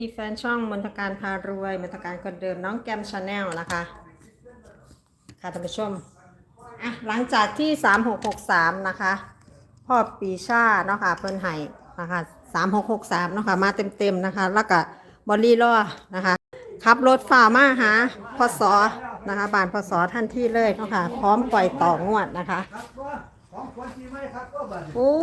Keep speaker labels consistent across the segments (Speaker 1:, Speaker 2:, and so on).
Speaker 1: มีแฟนช่องมนทการพารวยมนทการคนเดิมน้องแกมชาแนลนะคะค่ะท่านผู้ชมหลังจากที่3663นะคะพ่อปีชาเนาะค่ะเพิ่นไห้นะคะ3663เนาะค่ะมาเต็มนะคะแล้วก็บอลลี่ล่อนะคะขับรถฝ่ามาหาพศนะคะบ้านพศท่านที่เลยเนาะค่ะพร้อมปล่อยต่องวดนะคะโอ้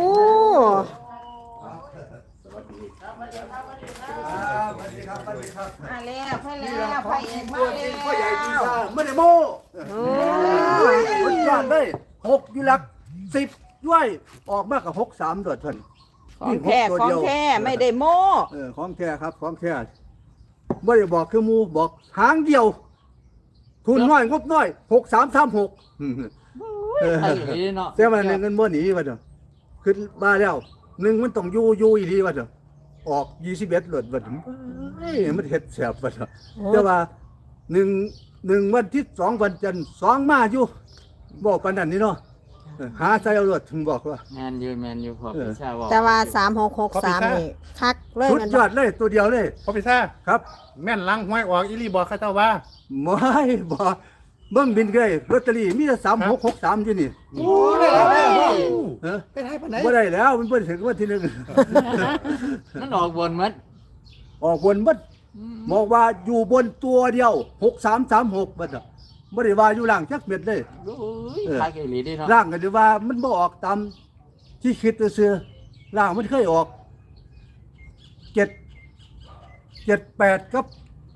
Speaker 2: มาแล้วพ่อแล้วพ่อเอกมาแล้ว
Speaker 3: พ่อใหญ่ปีชาไม่ได้โม่สุดยอดเลย6อยู่หลัก10ด้วยออกมากกับ63โดดเพิ่น
Speaker 2: ของแท้ของแท้ไม่ได้โม้
Speaker 3: ของแท้ครับของแท้ไม่ได้บอกคือหมูบอกหางเดียว ทุนน้อยงบน้อย6336
Speaker 2: ไอ้นี่เนาะ
Speaker 3: แต่มันเงินบ่หนีว่าเด้อขึ้นมาแล้ว1มันต้องอยู่อีหลีว่าเด้อออก21หลดว่าเด้อเฮ้ยมันเฮ็ดแสบว่าเด้อแต่ว่า1วันที่2วันจันทร์2มาอยู่บอกปานนั้นนี่เนาะหาใส่เอารถถึงบอกว่า
Speaker 2: แมนยูพอพิชาบอก
Speaker 1: แต่ว่า3663นี่คักเลย
Speaker 3: สุดยอดเลยตัวเดียวเลย
Speaker 4: พ่อพิซ่า
Speaker 3: ครับ
Speaker 4: แม่นล้างห้วยออกอีหลีบอกข้าเจ้าว่า
Speaker 3: ไม่บอกเบิ่งบินเลยลอตเตอรี่มีแต่3663อยู่นี่
Speaker 4: โอ้ได้แล้ว
Speaker 3: เออ
Speaker 4: ไปได้ปานไหน
Speaker 3: บ่ได้แล้วมันบ่ถึงวันที่
Speaker 2: มันออกบนมัด
Speaker 3: 1ออกบนบัดบอกว่าอยู่บนตัวเดียว6336บัดน่ะบ่ได้ว่าอยู่ล่างจักเม็ดเลย
Speaker 2: โอ้ยขายไก่หลีได้เนาะ
Speaker 3: ล่างก็ได้ว่ามันบ่ออกตามที่คิดซื่อๆล่างมันเคยออก7 8กับ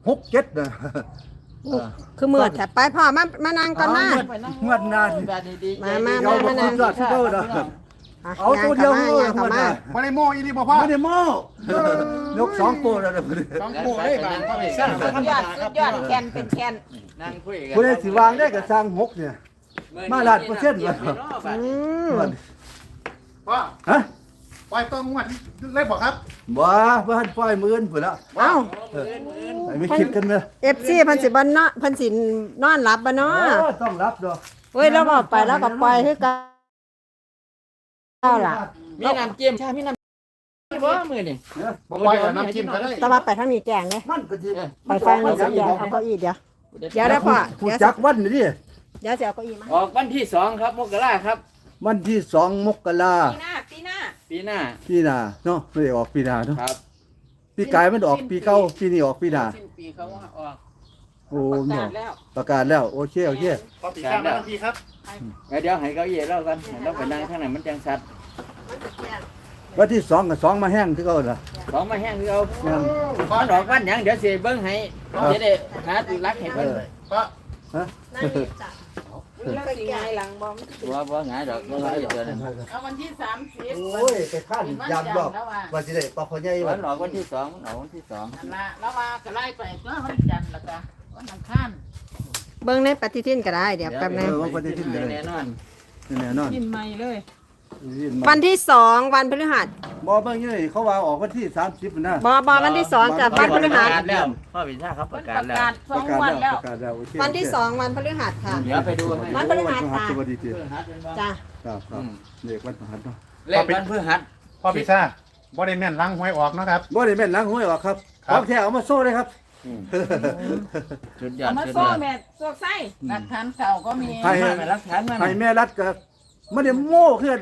Speaker 3: 67น่ะ
Speaker 1: คือมือแต่ไปพ่อมานั่งก่อนนะ
Speaker 3: งวดหน้า
Speaker 2: แบบนี้ดี
Speaker 3: เอาบ่สุดยอดที่เก่าเด้อเอาตัวเดียวเลย
Speaker 1: ง
Speaker 3: งวดหน้า
Speaker 4: บ่ได้โม่อีหลีบอกพ่อ
Speaker 3: ไม่ได้โม้ ยก2ตัวแล้วเด้อ
Speaker 4: ต้องโม่ได้บางพ่อพิซ่า
Speaker 2: สุดยอดแคนเป็นแคนนั่งคุยกัน
Speaker 3: ผู้ใดสิวางได้ก็สร้าง6เนี่ย มาล้านเปอร์เซ็นต์วะ
Speaker 1: อืม
Speaker 4: พ่อ
Speaker 3: ฮะ
Speaker 4: ปล่อยต้องงวดเลยบอกครับ
Speaker 3: บ่บ่ทันปล่อยมื้ออื่นพุ่นละ
Speaker 1: เอ้า
Speaker 3: ให้ไม่คิดกันเด้อ
Speaker 1: FC เพิ่นสิบ่เนาะเพิ่นสินอนหลับบ่เนาะ
Speaker 3: ต้องรับดอก
Speaker 1: เฮ้ยแล้วบอกไปแล้วก็ปล่อยคือเก่าล่ะ
Speaker 2: มีน้ำจิ้มชามีน้ำว่ามือนี่
Speaker 4: บ่ปล่อยเอาน้ำจิ้มก็ได้
Speaker 1: แต่ว่าไปทางนี้แกงเด้
Speaker 3: มันก็สิ
Speaker 1: ไปฟังนี่สิแกงเอาเก้าอี้เดี๋ยวได้พ่อ
Speaker 3: ผู้จักวันนี่ดิ
Speaker 1: เดี๋ยวสิเอาเก้าอี้มา
Speaker 2: ออกวันที่2ครับมกราครับ
Speaker 3: วันที่2มกรา
Speaker 2: ปีหน้า
Speaker 3: ปีหน้าเนาะไม่ได้ออกปีหน้าเนาะ
Speaker 2: ครับ
Speaker 3: ปีกายมันออกปีเก่าปีนี้ออกปีหน้า
Speaker 2: สิ้นปีเขาว่าออก
Speaker 3: โอ้
Speaker 2: ประ
Speaker 3: เนาะ
Speaker 2: กาศแล้ว
Speaker 3: ประกาศแล้วโอเค
Speaker 4: พ่อพิซ่ามาทันทีครับ
Speaker 2: เดี๋ยวให้เก้าอี้เรากันเราไปนั่งข้างไหนมันจังชัด
Speaker 3: วันที่2กับ2มาแห้งคือเก่าล่ะ
Speaker 2: ของมาแห้งคือเอา
Speaker 3: แห้ง
Speaker 2: ขอดอกวันหยังเดี๋ยวสิเบิ่งให้จะได้หารักให้เพิ่น
Speaker 4: พ่อ
Speaker 3: ฮะ
Speaker 2: แล้วสิไงหลังบ่บ่หงายดอกบ่หงายดอกนั่น
Speaker 5: เอาวันที่30
Speaker 3: โอ้ยไปข้านยามรอบว่าสิได้ปอกพ่อใหญ่
Speaker 2: วั
Speaker 3: วัน
Speaker 2: นออกวันที่2มันออกวันที่2
Speaker 5: นั่นละแล้วว่าก็ไล่ไปก็วันจันทร์แล้วก็วันอังคาร
Speaker 1: เบิ่งในปฏิทินก็ได้เดี๋ยวแป๊บนึง
Speaker 3: ว่าวันที่1
Speaker 2: แน่นอน
Speaker 3: แน่นอน
Speaker 5: กินใหม่เลย
Speaker 1: วันที่2วันพฤหัส
Speaker 3: บ่เบิ่งอยู่นี่เขาว่าออกวันที่30นะ
Speaker 1: บ่วันที่2กับวันพฤหัส
Speaker 2: แล้วพ่อวิชาเขาป
Speaker 5: เพิ่
Speaker 2: ระ
Speaker 5: น
Speaker 2: กา
Speaker 5: ป
Speaker 2: ศ
Speaker 5: ระ
Speaker 2: แล้ว
Speaker 5: กาศ2วันแล้ว
Speaker 3: โอเค
Speaker 1: วันที่2วันพฤหัสค่ะ
Speaker 2: เดี๋ยวไปดูให้
Speaker 1: วันพฤหัส
Speaker 3: สวัสดีที
Speaker 1: จ้ะ
Speaker 3: ครับเด็กวันพฤหัสเนาะ
Speaker 2: เลขวันพฤหัส
Speaker 4: พ่อพิซ่าบ่ได้แม่นล้างห้วยออกนะครับ
Speaker 3: บ่ได้แม่นล้างห้วยออกครับ
Speaker 4: ครั
Speaker 3: ข
Speaker 4: บ
Speaker 3: องแท้เอามาโซ่เลยครับ
Speaker 2: สุดยอ
Speaker 5: เอา
Speaker 2: ด
Speaker 5: มา
Speaker 2: สุด
Speaker 5: โซ่
Speaker 2: ยอด
Speaker 5: แม่โซ่ไส้หลักฐานเก่าก็มี
Speaker 3: ให้
Speaker 2: มารักฐานมา
Speaker 3: ให้แม่รัดก็ไม่ได้โม่ขึ้น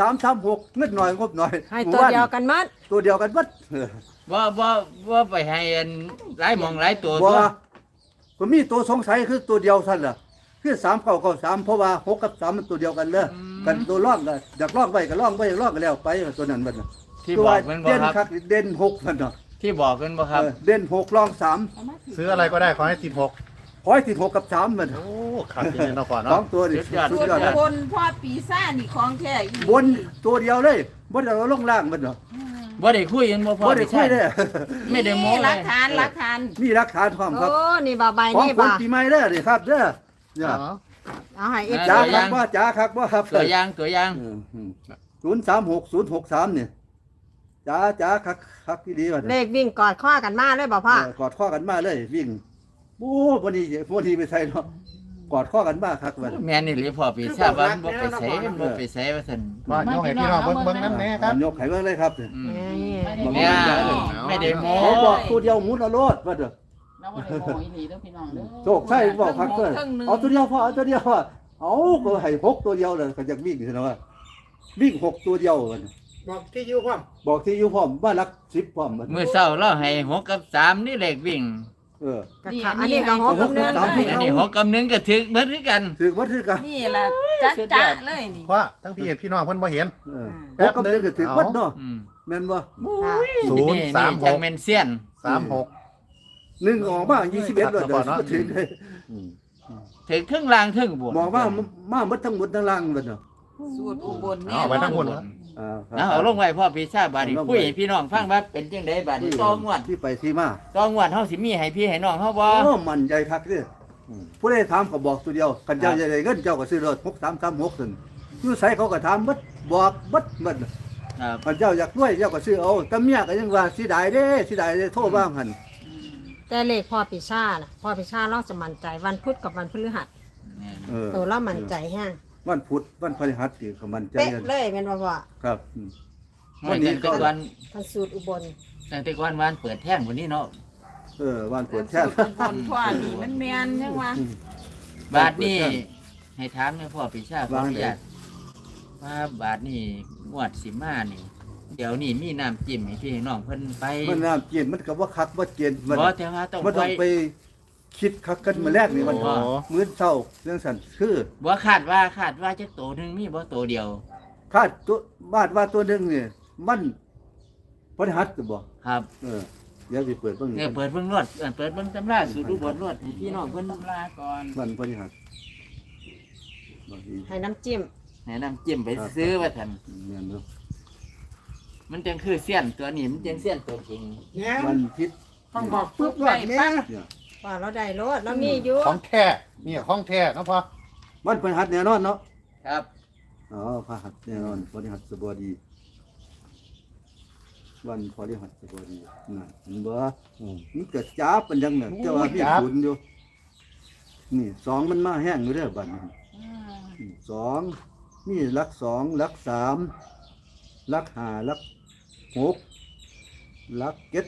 Speaker 3: 6336เงินหน่อยงบหน่อย
Speaker 1: ให้ตัวเดียวกันหมัด
Speaker 3: ตัวเดียวกันหมด
Speaker 2: ว่าไปให้หลายมองหลายตัว
Speaker 3: บ่ก็มีตัวสงสัยคือตัวเดียวซั่นล่ะคือ3993เพราะว่า6กับ3มันตัวเดียวกันเด้อกันตัวร่องก็อยากร่องไว้ก็ร่องไว้อยากร่องก็แล้วไปตัวนั้นบัดน่ะ
Speaker 2: ที่
Speaker 3: ตัว
Speaker 2: บอกมันบ่
Speaker 3: เด่น
Speaker 2: ครับ
Speaker 3: คักเด่น6มันเนาะ
Speaker 2: ที่บอกกันบ่ครับ
Speaker 3: เด่น6ร่อง3
Speaker 5: เอามาสิ
Speaker 4: ซื้ออะไรก็ได้ขอให้ติด6
Speaker 3: ขอให้ติด6กับ3มัน
Speaker 4: โอ้ขัดจริงๆเนาะพ่อ
Speaker 3: สอ
Speaker 4: เนาะ
Speaker 3: งตัวนี่
Speaker 2: สุดยอด
Speaker 3: สุด
Speaker 5: ส่วน
Speaker 3: ยอดนะ
Speaker 5: บนพ่อปีซ่าจนี่ของแท้อีก
Speaker 3: บนตัวเดียวเลยบ่ได้เอาลงล่างมันเนาะ
Speaker 2: บ่ได้คุยกันบ่พอ
Speaker 3: บ่ได้คุยเด้อ
Speaker 2: ไม่ได้โม้
Speaker 5: นี่ห
Speaker 2: เล
Speaker 5: ลั
Speaker 2: ย
Speaker 5: กฐานหลักฐาน
Speaker 3: มีหลักฐานพร้อมครับ
Speaker 1: โอ้นี่บ่ใบ
Speaker 3: ของ
Speaker 1: นี่
Speaker 3: คน
Speaker 1: บ่
Speaker 3: ปีใหม่เด้อนี่ครับเด้อเนี่ย
Speaker 1: เอาให้
Speaker 3: จ้า
Speaker 1: FC
Speaker 3: ครับว่าจ้าครับว่าครับ
Speaker 2: ตัวอย่างตัวอย่าง
Speaker 3: 036063เนี่ยจ้าครับที่ดีว่า
Speaker 1: เลขวิ่งกอดข้อกันมาเลยบ่พ่อก
Speaker 3: อดข้อกันมาเลยวิ่งโอ้บ่นี้ไปใส่เนาะกอดข้อกันบ้าคักว่า
Speaker 2: แม่นี่หรือพ่อปีชาว่ามันบ่ไปใส่มันบ่ไปใส่ว่าซั่น
Speaker 4: ว่าโยกให้พี่น้องเบิ่งๆนำแน่ครับ
Speaker 3: ยกไข่เบิ่งเลยครับ
Speaker 2: อืม
Speaker 1: นี่
Speaker 2: เนี่ยไม่ได้โม้
Speaker 3: เขาบอกตัวเดียวหมุนเอาโลดว่าเด้อ
Speaker 5: เราบ่ได้โมอีหลีเด้อพี่น้องเด้อ
Speaker 3: โชคใช่บอกคักเด้อเอาตัวเดียวพอเอาตัวเดียวพอเอาก็ให้6ตัวเดียวเลยก็อยากวิ่งซั่นว่าวิ่ง6ตัวเดียวว่า
Speaker 4: บอกที่อยู่พร้อม
Speaker 3: บอกที่อยู่พร้อมบ้านรัก10พร้อมบัด
Speaker 2: มื้อเช้าเราให้6กับ3นี่เลขวิ่ง
Speaker 1: ก็ค่ะอันนี้ก็หกกับเนื้อ
Speaker 2: อันนี้6กับ1ก็ถึกเหมือนคือกัน
Speaker 3: ถือว่าถือกัน
Speaker 5: นี่ล่ะจ๊ะเลยนี่
Speaker 4: เพราะทั้งพี่น้องเพิ่นบ่เห็น
Speaker 3: หกกับ1ก็ถือวัดเนาะ
Speaker 2: อืม
Speaker 3: แม่นบ่
Speaker 2: นี่จังแม่นเซียน
Speaker 4: 36
Speaker 3: 1ออกมา21เลยเด้อถือเลย
Speaker 2: ถึกครึ่งล่างครึ่งบน
Speaker 3: บอกว่ามาหมดทั้งหมดทั้งล่างเลยเนาะ
Speaker 5: สูตรอุบล
Speaker 4: เอาไว้ทั้งหมดเหรอ
Speaker 2: เอาลงไว้พ่อปีชาบาดนี้คุยให้พี่น้องฟังว่าเป็นจังได๋บาดนี้ต่องวด
Speaker 3: ที่ไปที่มา
Speaker 2: ต่องวดเฮาสิมีให้พี่ให้น้องเฮาบ่
Speaker 3: โอ้มันใจคักเด้อผู้ใดถามก็บอกตัวเดียวกันเจ้าใหญ่เงินเจ้าก็ซื้อรถ6336ซั่นอยู่ไสเขาก็ถามเบิดบอกเบิด
Speaker 2: ครับ
Speaker 3: กันเจ้าอยากรวยเจ้าก็ซื้อเอาแต่เมียก็ยังว่าสิได้เด้โทรบ้างหั่น
Speaker 1: แต่เลขพ่อปีชาน่ะพ่อปีชาเราจะมั่นใจวันพุธกับวันพฤหัส ตัวเรามั่นใจแห้ง
Speaker 3: วันพุธวันพฤหัสนี่ก็มั่นใจ
Speaker 1: เป๊ะ
Speaker 3: กัน
Speaker 1: เลยแม่นบ่พ่อ
Speaker 3: ครับ
Speaker 2: วันนี้ก็วัน
Speaker 1: ทันสูตรอุบล
Speaker 2: ตั้งแต่วันวันเปิดแท่งวันนี้เนาะ
Speaker 3: วันเปิดแท้
Speaker 5: อุบลพ่อนี่มันแม่นจังว่า
Speaker 2: บาทนี้ให้ถามแม่พ่อปีชาขออนุญาตว่าบาทนี้งวดสิมานี่เดี๋ยวนี้มีน้ำจิ้มให้พี่ให้น้องเพิ่นไป
Speaker 3: มันน้ำเกณฑ์มันก็ว่าคักว่าเกณฑ์มัน
Speaker 2: บ่แต่ว่าต้อง
Speaker 3: มัน
Speaker 2: ไป
Speaker 3: ต้องไปคิดคักกันมาแรกนี่มัน
Speaker 2: อ๋อ
Speaker 3: มื้อเช้าเรื่องสั่นคือ
Speaker 2: บ่คาดว่าจักโตหนึงมีบ่โตเดียว
Speaker 3: คาดตัวบาดว่าตัวหนึงนี่มันพฤหัสจะบ่
Speaker 2: ครับ
Speaker 3: เดี๋ยวสิเปิดเบิ่ง
Speaker 2: เนี่ยเปิดเบิ่งรวดเปิดเบิ่งตำราสูตรอุบลรวดให้พี่น้องเพิ่น
Speaker 5: ตำราก่อน
Speaker 3: วันพฤหัสบ่ดี
Speaker 1: ให้น้ำจิ้ม
Speaker 2: ให้น้ำจิ้มไปซื้อว่าซั่น
Speaker 3: แม่นเนาะ
Speaker 2: มันจังคือเสี้ยนตัวนี้มันจังเสี้ยนตัวจริง
Speaker 3: วันอาทิตย์
Speaker 5: ต้องบอกปึ๊บไว้ปั๊บ
Speaker 3: เนี่ย
Speaker 1: ว่าเราได้รถเรามีอยู่
Speaker 4: ของแท้นี่ของแท้เนาะพ่อ
Speaker 3: วันพฤหัสแน่นอนเนาะ
Speaker 2: ครับ
Speaker 3: พฤหัสแน่นอนพฤหัสบดีวันพฤหัสบดีน่ะเห็นบ่มันเกิดจ้าเป็นจังเนี่ยแต่ว่ามีศูนย์อยู่นี่2มันมาแห้งอยู่เด้อบัดนี้สองมีหลัก2หลัก3หลัก5หลัก6หลัก7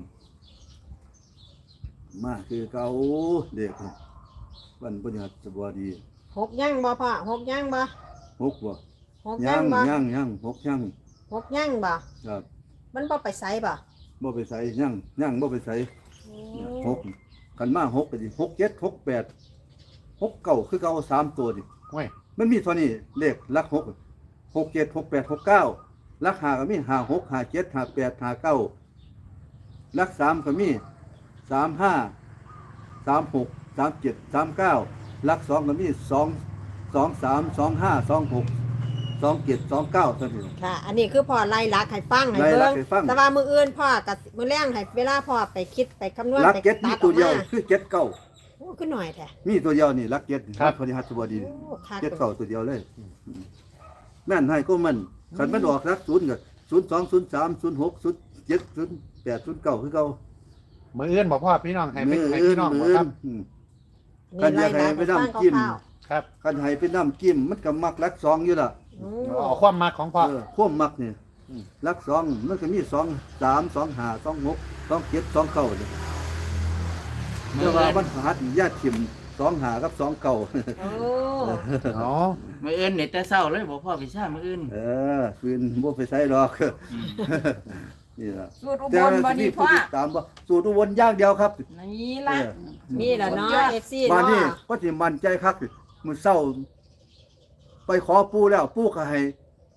Speaker 3: มาคือเก่าเด็กวันพฤหัสบดี
Speaker 1: หกย่างบ่พ่อหกย่างบ่
Speaker 3: 6บ่
Speaker 1: หกย่างบ่
Speaker 3: ยัง6ยัง
Speaker 1: หกย่างบ่
Speaker 3: ครับ
Speaker 1: มันบ่ไปไสบ่
Speaker 3: บ่ไปใส่ยังบ่ไปใส่6กันมา6ก็ดิ6 7 6 8 6 9คือเก่า3ตัวดิ
Speaker 4: ห้วย
Speaker 3: มันมีเท่านี้เลขหลัก6 6 7 6 8 6 9หลัก5ก็มี5 6 5 7 5 8 5 9หลัก3ก็มี3 5 3 6 3 7 3 9หลัก2ก็มี2 2 3 2 5 2 6 2 7 2 9เท่านี้
Speaker 1: ค่ะ อันนี้คือพ่อไล่ลักให้ฟังให้
Speaker 3: ไล่ลั
Speaker 1: เบิ่
Speaker 3: ก
Speaker 1: ง
Speaker 3: ให้ฟัง
Speaker 1: แต่ว่ามื้ออื่นพ่อกับมื้อแรงให้เวลาพ่อไปคิดไปคำนวณ
Speaker 3: หลัก
Speaker 1: ไป
Speaker 3: เจ็ดมีตัวเดียว
Speaker 1: ออกมา
Speaker 3: คือเจ็ดเก้า
Speaker 1: โอ้คือหน่อยแท้
Speaker 3: มีตัวเดียวนี่หลักเจ็ดครับพอดีฮัตบดี
Speaker 1: โอ้คัก
Speaker 3: เจ็ดเก้าตัวเดียวเลยแม่นให้ก็มันขันมันออกรักศูนย์กับ02 03 06 07 08 09คือเก่า
Speaker 4: มื้ออื่นบอกพ่อพี่น้องให้
Speaker 3: มือ
Speaker 4: ให้
Speaker 3: อื่น
Speaker 4: พี่น้อง
Speaker 3: มื
Speaker 4: บ่
Speaker 3: อ
Speaker 4: ค
Speaker 3: อื่
Speaker 4: รับ
Speaker 3: นคันอยากให้ไปน้ำจิ้ม
Speaker 4: ครับ
Speaker 3: คันให้ไปน้ำจิ้มมันก็มักรักสองอยู่ล่ะ
Speaker 1: โอ้
Speaker 4: เอาความมักของพ่อ
Speaker 3: ควบมักนี่รักสองมันก็มี2 3 2 5 2 6 2 7 2 9นี่
Speaker 2: มื้
Speaker 3: แต่
Speaker 2: อ
Speaker 3: ว่า
Speaker 2: อื่น
Speaker 3: มันหัดญาติถิ่ม2 5กับ2 9
Speaker 1: โอ้
Speaker 4: อ๋อ
Speaker 2: มื้ออื่นนี่แต่เช้าเลยบ่พ่อปีชามื้ออื่น
Speaker 3: ฟืนบ่ไปใส่หรอก นี่ล่ะ
Speaker 5: สูตรอุบ
Speaker 3: แต่
Speaker 5: ลบ่
Speaker 3: ที่
Speaker 5: นี่
Speaker 3: ผู้
Speaker 5: พ่อ
Speaker 3: ติดตามบ่สูตรอุบลอย่างเดียวครับ
Speaker 5: นี่ล่ะ
Speaker 1: มีแล้วเนาะ FC
Speaker 3: บ้าน
Speaker 1: เนาะ
Speaker 3: นี้ก็สิมั่นใจคักมื้อเช้าไปขอปู่แล้วปู่ก็ให้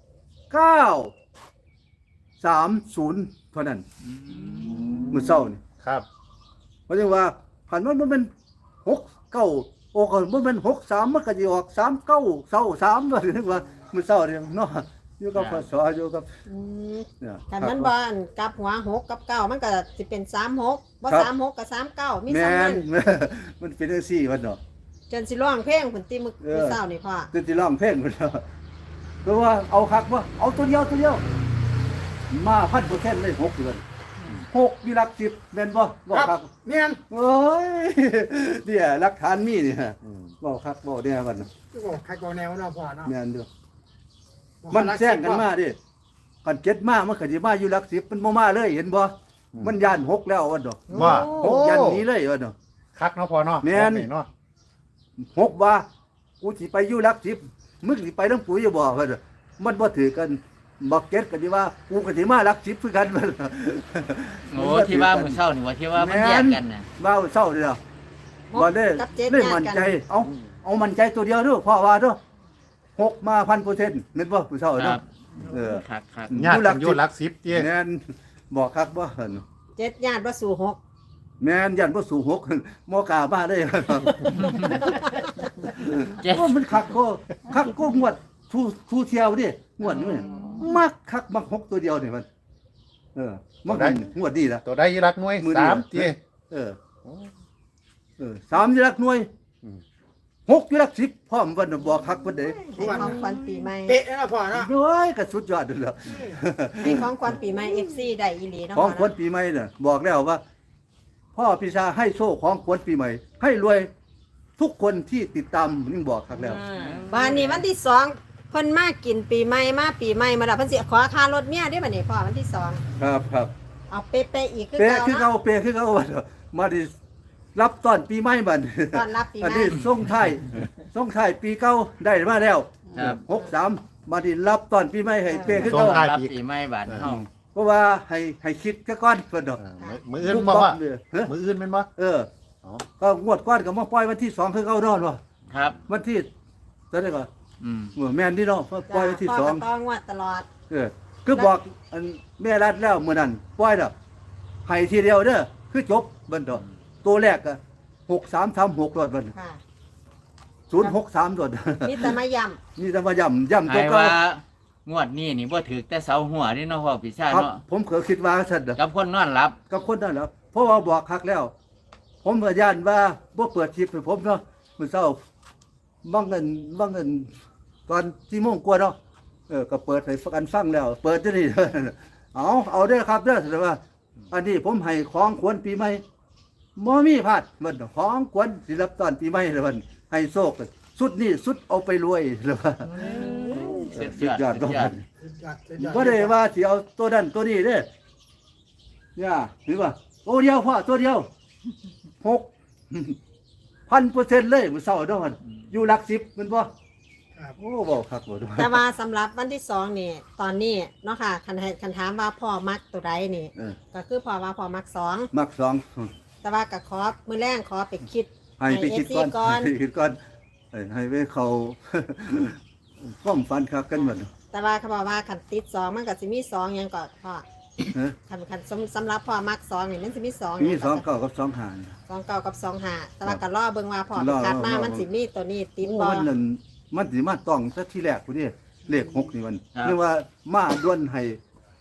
Speaker 3: 930เท่านั้นมื้อเช้านี่
Speaker 4: ครับ
Speaker 3: เพราะฉะนั้นว่าคันมันบ่แม่น69โอ้ก็บ่แม่น63มันก็สิออก3923ว่าถึงว่ามื้อเช้านี่เนาะอยู่กับพศอยู่กับ
Speaker 1: อืม
Speaker 3: เนี่ย
Speaker 1: แต่มันบ่อันกลับหัว6กับ9มันก็สิเป็น36บ่
Speaker 3: ครับ
Speaker 1: 36กับ39มี
Speaker 3: แม่
Speaker 1: ซ้ำนั้น
Speaker 3: น มันเป็นจังซี่ว่าเนาะ
Speaker 1: จนสิร้องเพลงพุ่นติมื้อเช้านี่พ่อ
Speaker 3: ตื่นที่ร้องเพลงพุ่นเนาะเพราะว่าเอาคักว่าเอาตัวเดียวมา1,000%เลย6เดือน 6อยู่หลัก10แม่นบ่บอก
Speaker 4: ค
Speaker 3: ค
Speaker 4: รั
Speaker 3: รั
Speaker 4: บบ เมียน
Speaker 3: โอ้ยเนี่ยหลักฐานมีนี่ฮะบอกครับบอกเนี่ยมัน
Speaker 6: โอ้ใครก็แนวเนาะพ่อเนาะ
Speaker 3: แม่นเด้อมันแซงกันมาดิกันเจ็ดมามันก็สิมาอยู่หลัก10มันบ่มาเลยเห็นบ่มันย่าน6แล้วว่าดอก
Speaker 4: ว่า
Speaker 3: หกยันหนี้เลยว่าดอก
Speaker 4: คักเนาะพ่อเนาะ
Speaker 3: แม่น
Speaker 4: เนาะ
Speaker 3: 6ว่ากูสิไปอยู่หลัก10มึงสิไปนำกูอยู่บ่ว่าดอกมันบ่ถือกันบักเก็ตก็สิว่ากูก็สิมาหลัก10คือกันว่าดอก
Speaker 2: โอ้ที่ว่ามื้อเช้านี่ว่าที่ว่ามันแยกกันน่ะ
Speaker 3: ว่าเศร้าเด้อบ่ได้
Speaker 1: กับเจ็ด
Speaker 3: ได้
Speaker 1: ญา
Speaker 3: มั่น
Speaker 1: ติกัน
Speaker 3: ใจเอามั่นใจตัวเดียวเด้อพ่อว่าเด้อ6มา 1,000% แม่นบ่ผู้เฒ่า
Speaker 2: ค
Speaker 3: เด้
Speaker 2: รั
Speaker 3: อบ
Speaker 2: ครับครับ
Speaker 4: ญาติกันอยู่หลัก10เตี้ย
Speaker 3: แม่นบอกคักบ่หั่น
Speaker 1: 7ญาติบ่สู่6
Speaker 3: แม่นยันบ่สู่6บ่กล้ามาเด้ครับ
Speaker 2: เจ็ด
Speaker 3: โอ้มันคักก็งวดทูเที่ยวดิงวดนี้มักคักมัก6ตัวเดียวนี่มันมักงวดดีล่ะ
Speaker 4: ตัวใดอยู่หลักหน่วย
Speaker 3: มื้อนี้
Speaker 4: 3เตี้ย
Speaker 3: 3อยู่หลักหน่วย
Speaker 4: อืม
Speaker 3: 6อยู่หลัก10พร้อมวันน่ะบอกคักเพิ่นเด้
Speaker 1: ให้ของขวัญปีใหม่
Speaker 6: เป๊ะนะพ่อเนาะ
Speaker 3: โอ้ยก็สุดยอดเด้อ
Speaker 1: ให้ของขวัญปีใหม่ FC ได้อีหลีเนาะ
Speaker 3: ของ
Speaker 1: พ่
Speaker 3: ขวัญปีใหม่น่ะบอกแล้วว่า พ่อพิชาให้โชคของขวัญปีใหม่ ให้รวยทุกคนที่ติดตามนี่บอกคักแล้ว
Speaker 1: บ้านนี้วันที่2เพิ่นมากินปีใหม่มาปีใหม่มาแล้วเพิ่นสิขอค่ารถเมียได้บัดนี้พ่อวันที่2
Speaker 3: ครับ
Speaker 1: เอาเป๊ะๆอีกคือ
Speaker 3: เป
Speaker 1: เก่า
Speaker 3: คือ
Speaker 1: เนาะ
Speaker 3: เขาเปคือเขาว่ามาดิรับต้อนปีใหม่บัด
Speaker 1: ต้อนรับปีใหม่
Speaker 3: อันนี้ส่งท้ายปีเก่าได้มาแล้ว
Speaker 2: ครับ
Speaker 3: 63มาดิรับต้อนปีใหม่ให้เปคือ
Speaker 4: ส่
Speaker 3: เขา
Speaker 4: งท้าย
Speaker 2: รับปีใหม่บาดเฮา
Speaker 3: เพราะว่าให้คิดซะก่อนเพิ่นดอก
Speaker 4: มื้ออื่นบ่ว่า
Speaker 3: ฮะ
Speaker 4: มื้ออื่นแม่นบ่
Speaker 3: เออ
Speaker 4: อ๋อ
Speaker 3: ก็งวดก่อนก็มาปล่อยวันที่2คือเขานอนบ่
Speaker 2: ครับ
Speaker 3: วันที่เท่าไหร่ก็
Speaker 2: อืม
Speaker 3: แม่นนี่เนาะปล่อยวันที่
Speaker 1: พ่
Speaker 3: 2
Speaker 1: ก็ต้องงวดตลอด
Speaker 3: คือบอกอันแม่รัดแล้วมื้อนั้นปล่อยดอกให้ทีเดียวเด้อคือจบเบิ่นดอกตัวแรกก็6336รถเบิ่น
Speaker 1: ค่ะ
Speaker 3: 063รถ
Speaker 1: มีแต่มาย้ำ
Speaker 3: นี่จะมาย่ำตัว
Speaker 2: ให้
Speaker 3: เก่า
Speaker 2: ว่างวดนี้นี่บ่ถือแต่เสาหัวนี่เนาะพ่อปีชา
Speaker 3: ครับ
Speaker 2: เนาะ
Speaker 3: ผมก็คิดว่าซั่นน่ะ
Speaker 2: กับคนนอนหลับ
Speaker 3: กับคนนั้นแหล้วเพราะว่าบอกคักแล้ว ผมก็ย่านว่าบ่เปิดคลิปให้ผมเนาะมื้อเช้าบางเงินตอน4โมงกว่าเนาะก็เปิดให้กันฟังแล้ว เปิดจังนี่ เอาเด้อครับเด้อแต่ว่า อันนี้ผมให้ของขวัญปีใหม่บ่มีพลาดมันของขวัญสิรับตอนปีใหม่เลยมันให้โชคสุดนี่สุดเอาไปรวยเลยว่า
Speaker 2: สุดยอด
Speaker 3: สุดยอด
Speaker 6: สุดยอดสุดยอด
Speaker 3: บ่ได้ว่าสิเอาตัวนั้นตัวนี้เด้เนี่ยหรือว่าตัวเดียวพ่อตัวเดียว6,000% เลยมื้อเช้าเนาะมันอยู่หลัก10มันบ่
Speaker 6: ครับ
Speaker 3: โอ้เว้าคักบ่ด้วย
Speaker 1: แต่ว่าสำหรับวันที่2นี่ตอนนี้เนาะค่ะคันถามว่าพ่อมักตัวใดนี่ ก็คือพ่อว่าพ่อมัก2
Speaker 3: มัก2
Speaker 1: แต่ว่าก็ขอมื้อแรงขอไปคิด
Speaker 3: ให้ไปคิดก่อน
Speaker 1: ก่อน
Speaker 3: ให้คิดก่อนให้ไปเขา ความฝันคักกันหมด
Speaker 1: แต่ว่าเขาบอกว่าคันติด2มันก็สิมี2หยังก็พ่อ
Speaker 3: ฮะ
Speaker 1: คันสำหรับพ่อมัก2นี่มันสิมี2
Speaker 3: มี2เก้ากับ2หาร
Speaker 1: 2เก่ากับ2 5แต่ว่าก็รอเบิ่งว่าพ่อ
Speaker 3: รอ
Speaker 1: คัดมา
Speaker 3: รอ
Speaker 1: มันสิมีตัวนี้ติด
Speaker 3: โอ้
Speaker 1: บ่
Speaker 3: มันนั่นมันสิมาต้องซะที่แรกพุ่นนี่เลข6นี่มันเรียกว่ามาด้วนให้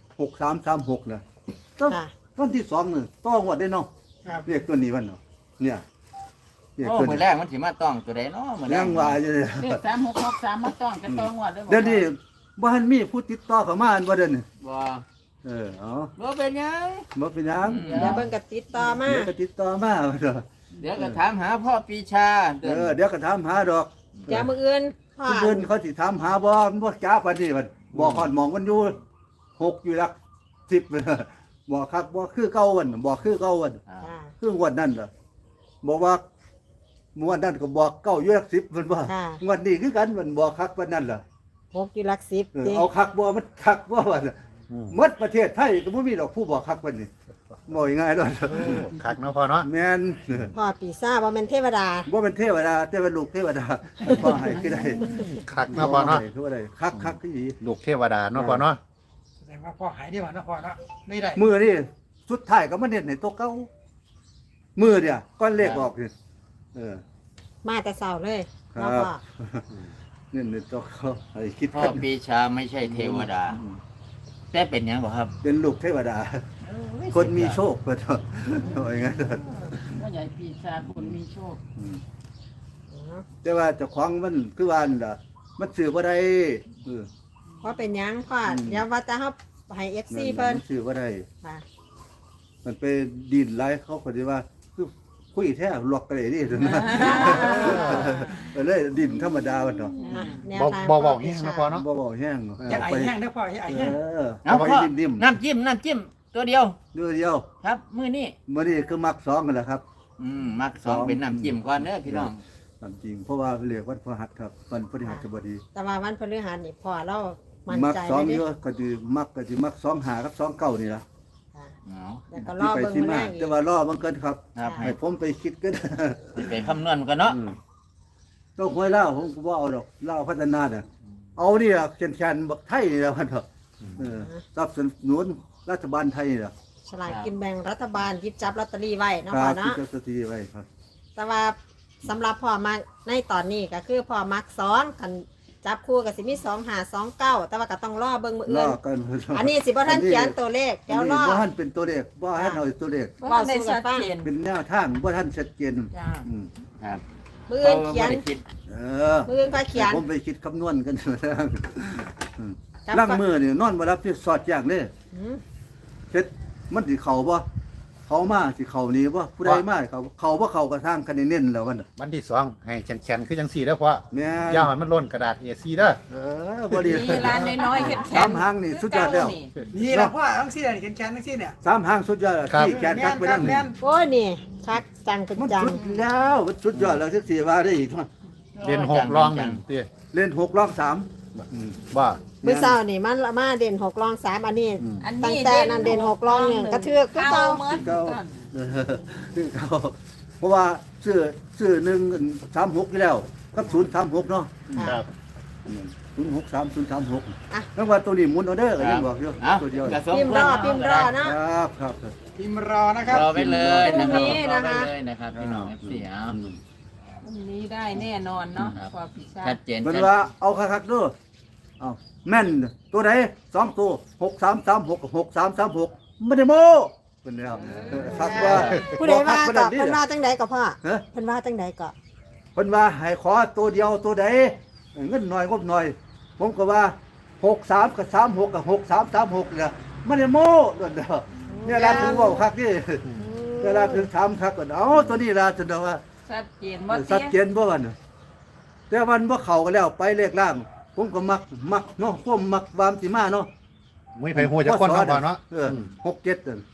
Speaker 3: 6336น่ะต้อง
Speaker 1: ค่ะ
Speaker 3: วันที่2นี่ต้องงวดได้เนาะ
Speaker 6: ครับ
Speaker 3: เลขตัวนี้มันเนาะเนี่ยเลข
Speaker 2: โอ้
Speaker 3: ตัว
Speaker 2: มื้อ
Speaker 3: นี้
Speaker 2: แรกมันสิมาต้องตัวใดเนาะมื้อแร
Speaker 3: ยั
Speaker 2: ก
Speaker 3: งว่าอยู่เลย
Speaker 5: เลข3663มาต้องจะต้องงวดเลยบ่
Speaker 3: เดี๋ยวนี้บ่ทันมีผู้ติดต่อเข้ามาอันบ่เด้อนี่
Speaker 2: บ่
Speaker 3: เอา
Speaker 2: บ่เป็นหยัง
Speaker 3: บ่เป็นหยัง
Speaker 1: เดี๋ยวเบิ่งก็ติดต่อมา
Speaker 3: เดี๋ยวก็ติดต่อมาเด้อ
Speaker 2: เดี๋ยวก็ถามหาพ่อปีชาเดิน
Speaker 3: เดี๋ยวก็ถามหาดอก
Speaker 1: เดี๋ยวมื้ออื่นพ่อ
Speaker 3: ผู้อื่นเขาสิถามหาบ่มันบ่จ้าปานนี้มันบ่ฮอดหมองมันอยู่6อยู่หลัก10บ่คักบ่คือเก่าวันบ่คือเก่าวัน
Speaker 2: อ่า
Speaker 1: ค่ะ
Speaker 3: คืองวดนั้นล่ะบอกว่างวดนั้นก็บอกเก้าอยู่หลัก10มันบ่
Speaker 1: ค่ะ
Speaker 3: งวดนี้คือกันมันบอกคักปานนั้นล่ะ
Speaker 1: 6อยู่หลัก10ติ
Speaker 3: เอาคักบ่มันคักบ่ว่าหมดประเทศไทยก็บ่มีดอกผู้บอกคักปานนี้บ่ง่ายๆดอก
Speaker 4: คักเนาะพ่อเนาะ
Speaker 3: แม่น
Speaker 1: พ่อปีซ่าบ่แม่นเทวดา
Speaker 3: บ่เป็นเทวดาแต่เป็นลูกเทวดาขอให้คือได้
Speaker 4: คักเนาะพ่อเนาะ
Speaker 3: คือว่าได้คักคือดี
Speaker 4: ลูกเทวดาเนาะพ่อเนาะ
Speaker 6: แสดงว่าพ่อหายดีกว่านะพ่อเนาะไม่ได้
Speaker 3: มือนี่สุดท้ายก็มาเน้นให้ตัวเก่ามือเนี่ยก้อนเลขออกนี่
Speaker 1: มาแต่เช้าเลย
Speaker 3: ครั
Speaker 1: เนาะ
Speaker 3: บ
Speaker 1: พ่อ
Speaker 3: เน้นให้ตัวเก่าให้คิด
Speaker 2: พ่อ
Speaker 3: กัน
Speaker 2: ปีชาไม่ใช่เทวดา แต่เป็นหยังบ่ครับ
Speaker 3: เป็นลูกเทวดา คนมีโชคก็เถอะว่าอย่างนั้นเถอะ
Speaker 5: ว่าใหญ่ปีชาคนมีโชค
Speaker 3: แต่ว่าเจ้าของมันคือว่านั่นล่ะมันซื้อบ่ได้เออ
Speaker 1: เพราะเป็นหยังพ่อเดี๋ยวว่าจะเฮาให้ FC เพิ่น
Speaker 3: มัซื้อบ่ได้
Speaker 1: ค่ะ
Speaker 3: มมันไปดินไล่เขาคนที่ว่าคือคุยแท้ล็อกกันเลยนี่นะเลยดินธรรมดาวันเนาะ
Speaker 1: อ่ะแนว
Speaker 4: บ่
Speaker 1: ทาง
Speaker 4: บ่
Speaker 1: พ่
Speaker 4: บ
Speaker 1: อ
Speaker 4: อก
Speaker 1: ปี
Speaker 4: แห้ง
Speaker 1: ชา
Speaker 4: นะพ่อเนาะ
Speaker 3: บ่แห้ง
Speaker 6: อยากไอ้แห้งได้อพ่ออยากไอ้แห้ง
Speaker 2: เอา
Speaker 3: ไป
Speaker 2: พ่อ
Speaker 3: ดิ่ม
Speaker 2: น้ำจิ้มตัวเดียว
Speaker 3: ๆเดียว
Speaker 2: ครับมื้อนี้
Speaker 3: มื้อนี้คือมัก2กันแหละครับ
Speaker 2: มักสองเป็นน้ำจิ้มก่อนเด้อพี่น้อง
Speaker 3: ตามจริงเพราะว่าเรียกวันพฤหัสครับวันพฤหัสบดี
Speaker 1: แต่ว่าวันพฤหัสนี่พ่อเรามั่น
Speaker 3: มัก
Speaker 1: ใจ
Speaker 3: สอง
Speaker 1: เลย
Speaker 3: เย
Speaker 1: เด้
Speaker 3: อะก็สิมัก2หากับ2เก้านี่ล่ะ
Speaker 1: ค่ะ
Speaker 2: เอา
Speaker 1: แล้วก็รอ
Speaker 3: ที่ไป
Speaker 1: เบิ่ง
Speaker 3: ที่
Speaker 1: มื้อ
Speaker 3: มา
Speaker 1: แรงอีก
Speaker 3: แต่ว่ารอบังเกินครับ
Speaker 2: ครับ
Speaker 3: ให้ผมไปคิดก็ได้
Speaker 2: สิไปคำนวณกันเนาะ
Speaker 3: ต้องหวยเล่าผมก็บ่เอาดอกเล่าพัฒนาน่ะเอานี่ล่ะแคนๆบักไทยนี่ล่ะมันเถอะสนับสนุนรัฐบาลไทยนี่ล่ะ
Speaker 1: ฉลากกินแบ่งรัฐบาลหยิบจับลอตเตอรี่ไว้เนาะ
Speaker 3: ค
Speaker 1: พ่อ
Speaker 3: รับที่
Speaker 1: เนาะ
Speaker 3: เจ้าสตรีไว้ครับ
Speaker 1: แต่ว่าสำหรับพ่อมักในตอนนี้ก็คือพ่อมักซ้อนกันจับคู่กับสิมี2529แต่ว่าก็ต้องรอเบิ่งมื้อ
Speaker 3: ร
Speaker 1: อื่
Speaker 3: อน กัน
Speaker 1: อันนี้สิบ่ทันเขียนตัวเลข
Speaker 3: อั
Speaker 1: เดี๋ย
Speaker 3: น
Speaker 1: ว
Speaker 3: นี้
Speaker 1: รอ
Speaker 3: บ่ทันเป็นตัวเลขบ่ทันเอาตัวเลข
Speaker 5: เพราะว่าในชัดเจน
Speaker 3: เป็นแนวทางบ่ทันชัดเจน
Speaker 5: จ้า
Speaker 3: อืม
Speaker 2: ครับ
Speaker 1: มื้ออื่นเขียน
Speaker 2: บ่ได้คิด
Speaker 3: เออ
Speaker 1: มื้ออื่นก็เขียน
Speaker 3: ผมไปคิดคำนวณกัน
Speaker 1: จับ
Speaker 3: ล่างมือนี่นอนบ่รับที่สอดอย่างเด้
Speaker 1: อืม
Speaker 3: เฮ็ดมันสิเข้าบ่เขามาสิเข้านี่บ่ผู้ใดมาเขาบ่เข้ากระทางคะแนนเน้นแล้วมันน่ะ
Speaker 4: วันที่2ให้แข็งๆคือจังซี่เด้อพ่อ
Speaker 3: แม่
Speaker 4: อย่าให้มันล้นกระดาษ A4 เด้อ
Speaker 3: บ่ดี
Speaker 5: มีร้านน้อยๆเห็ดแข็
Speaker 3: สามหางนี่สุดยอดแล้ว
Speaker 6: นี่แหละพ่อทั้งสี่เนี่ยแขนทั้งสี่เนี่ย
Speaker 3: สามหางสุดยอดแล้วที่แกนคักไปนั่น
Speaker 6: แม่น
Speaker 1: โอ้ยนี่คักจังเป็น
Speaker 3: มัน
Speaker 1: จัง
Speaker 3: สุดแล้วมันสุดยอดแล้วจักสิว่าได้อีก
Speaker 4: เรียน6รองหนึ่งติ
Speaker 3: เล่น6รอง3
Speaker 4: บ่
Speaker 1: มื้อเช้านี่มันมาเด่น6รอง3อันนี้
Speaker 5: อัน
Speaker 1: ตั้ง
Speaker 5: นี้
Speaker 1: แต่นั้นเด่น6รอง1กระเทือกคือ
Speaker 5: เก่า
Speaker 1: เก่า
Speaker 5: เหมือน
Speaker 3: เก่า
Speaker 5: กัน
Speaker 3: คือเขาเพราะว่าซื้อ136อยู่แล้วกับ036เนาะ
Speaker 4: ครับ
Speaker 3: 063 036
Speaker 1: อ่ะ
Speaker 3: แล้วว่าตัวนี้หมุนเอาเด้อก็ยังบอกอยู่
Speaker 2: เอา
Speaker 3: ตัวเดียว
Speaker 2: กระสม
Speaker 1: พิมพ์รอพิมพ์รอ
Speaker 3: ค
Speaker 1: เนาะ
Speaker 3: รับครับ
Speaker 6: พิมพ์รอนะครับ
Speaker 2: รอไว้เลยนะค
Speaker 1: พรุ่
Speaker 2: รับ
Speaker 1: งนี้
Speaker 2: รอ
Speaker 1: นะคะ
Speaker 2: ไว้เลยนะครับพี่น้อง FC เอา
Speaker 5: วันนี้ได้แน่นอนเนาะพอพิชา
Speaker 2: ชัดเจน
Speaker 3: มันว่าเอาคักๆเด้อเอาแม่นตัวไหน2ตัว6336กับ6336ไม่ได้โม้เพิ่นแล้วคักว่า
Speaker 1: ผู้ใดว่า
Speaker 3: บ่
Speaker 1: ก็
Speaker 3: คั
Speaker 1: เพิ่นว่าจังใดก็พ่อ
Speaker 3: ฮะ
Speaker 1: เพิ่นว่าจังใดก็
Speaker 3: เพิ่นว่าให้ขอตัวเดียวตัวใดเงินน้อยงบน้อย ผมก็ว่า63กับ36กับ6336เนี่ยไม่ได้โม้เด้อเนี่ยร้านถึงเว้าคักนี่เวลาถึงถามคักก็เอาตัวนี้ล่ะจนว่า
Speaker 5: ชัดเจนว่า
Speaker 3: ชัดเจ
Speaker 5: เตี้ย
Speaker 3: นบ่วันน่ะแต่วันบ่เข้ากันแล้วไปเลขล่าง ผมก็มักเนาะผมมักวามสิมาเนาะ
Speaker 4: มุ้ยไผฮู้จักคนเนาะพ่อเนาะ
Speaker 3: 6 7นั่น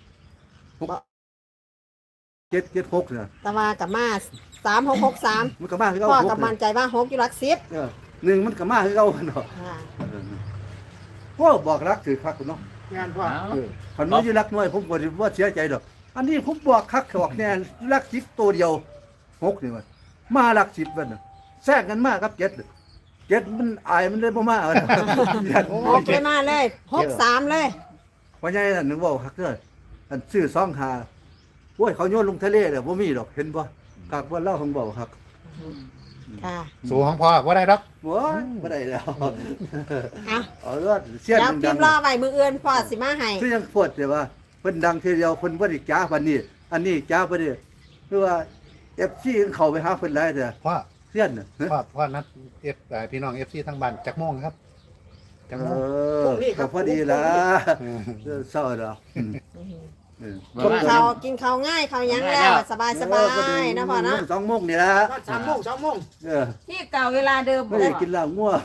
Speaker 3: 7 7 6น่ะ
Speaker 1: แต่ว่ากับมา3663
Speaker 3: มันก็มาคือเก่า
Speaker 1: พ่อ
Speaker 3: 6
Speaker 1: กับมั่นใจว่า6อยู่หลัก10
Speaker 3: หนึ่งมันก็มาคือเก่าเนาะ
Speaker 1: อ่า
Speaker 3: พวกบอกรักถือคักเนาะ
Speaker 6: งานพ่อ
Speaker 2: เอา
Speaker 3: คันว่าอยู่รักน้อยผมบ่ได้ว่าเสียใจดอกอันนี้ผมบอกคักบอกแน่รัก10ตัวเดียว6นี่มันมารัก10มันน่ะแทรกกันมากับ7มันอายมันเลยบ่มาเอาน่ะ
Speaker 1: 6เลยมาเลย63เลย
Speaker 3: พ่อใหญ่นั่นนึกว่าคักเด้ออันซื้อ2หาโอ้ยเขาโยนลงทะเลเด้อบ่มีดอกเห็นบ่คักว่าเล่าของเบาคัก
Speaker 1: ค่ะ
Speaker 4: สู่ของพ่อบ่ได้ดอก
Speaker 3: โอ้ยบ่ได้แล้ว
Speaker 1: อ่ะ
Speaker 3: เอาเด้อเสียน
Speaker 1: เดี๋ยวพิ
Speaker 3: ดั
Speaker 1: ม
Speaker 3: ง
Speaker 1: พ์รอไว้มื้ออื่นพ่อสิมาให้
Speaker 3: คือยังปวดแต่ว่าเพิ่นดังทีเดียวเพิ่นบ่ได้จ้าปานนี้ อันนี้จ้าบ่ได้คือว่า FC เข้าไปหาเพิ่นหลายเด้อ
Speaker 4: พ่อ
Speaker 3: เสียนน่ะ
Speaker 4: พ่อนัดพี่น้อง FC ทั้งบ้านจักโมงครับจักโมง
Speaker 3: ก็พอดีล่ะเศร้าดอก
Speaker 2: บ่ว่า
Speaker 1: กินข้าวง่ายข้าวหยังแล้วสบายๆนะพ่อเนาะ
Speaker 3: 2 โมงนี่ล่ะ
Speaker 6: 3 โมง
Speaker 3: เออ
Speaker 5: ที่เก่าเวลาเดิม
Speaker 3: ไม่ได้กินเหล้างัว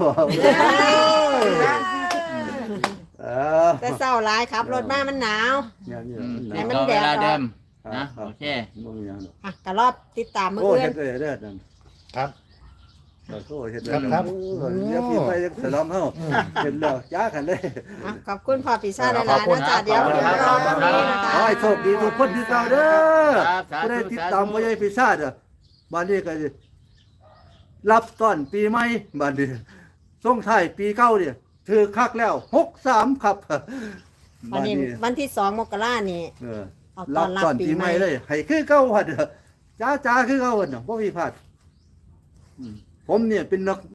Speaker 3: เออ
Speaker 1: แต่เศร้าหลายครับรถมามันหนาว
Speaker 3: อย่างนี้
Speaker 1: ให้มัน
Speaker 2: ต่อ
Speaker 1: แด
Speaker 2: เว
Speaker 1: ด
Speaker 2: ลา
Speaker 1: ออก
Speaker 2: เดิมนะโอเค
Speaker 3: บ่มีหยัง
Speaker 1: อ่ะก็รอบติดตามมื้อ
Speaker 3: โอ้
Speaker 1: อื่
Speaker 3: เฮ็
Speaker 1: น
Speaker 3: ดได้เด้อนั่น
Speaker 4: ครับ
Speaker 3: โอ้เฮ็ดได้เดี๋ยวพี่ไปสลองเฮาเห็นแล้วจ้ากันเลย
Speaker 1: อ่ะขอบคุณพ่อปีชาหลายๆนะจ๊ะเดี๋ยวพิมพ์รอตรงนี้นะคะ
Speaker 3: ขอให้โชคดีทุกคนที่เก่าเด้อ
Speaker 2: ครับสาธุ
Speaker 3: ผู้ใดติดตามบ่ใหญ่พิซซ่าเด้อบ้านนี้ก็สิรับต้อนปีใหม่บ้านนี้ส่งท้ายปีเก่าเนี่ยถือคักแล้ว63ครับ
Speaker 1: วันนี้วันที่2 มกราคมนี่
Speaker 3: เออ
Speaker 1: เอาต
Speaker 3: รั
Speaker 1: อบ นรับ
Speaker 3: ต้อน
Speaker 1: ปี
Speaker 3: ปี
Speaker 1: ให
Speaker 3: ให
Speaker 1: ม่
Speaker 3: ม่เลยให้คือเก่าหั่นเด้อจ้าคือเก่าหั่นเนาะบ่มีพลาดผมเนี่ยเป็นนัก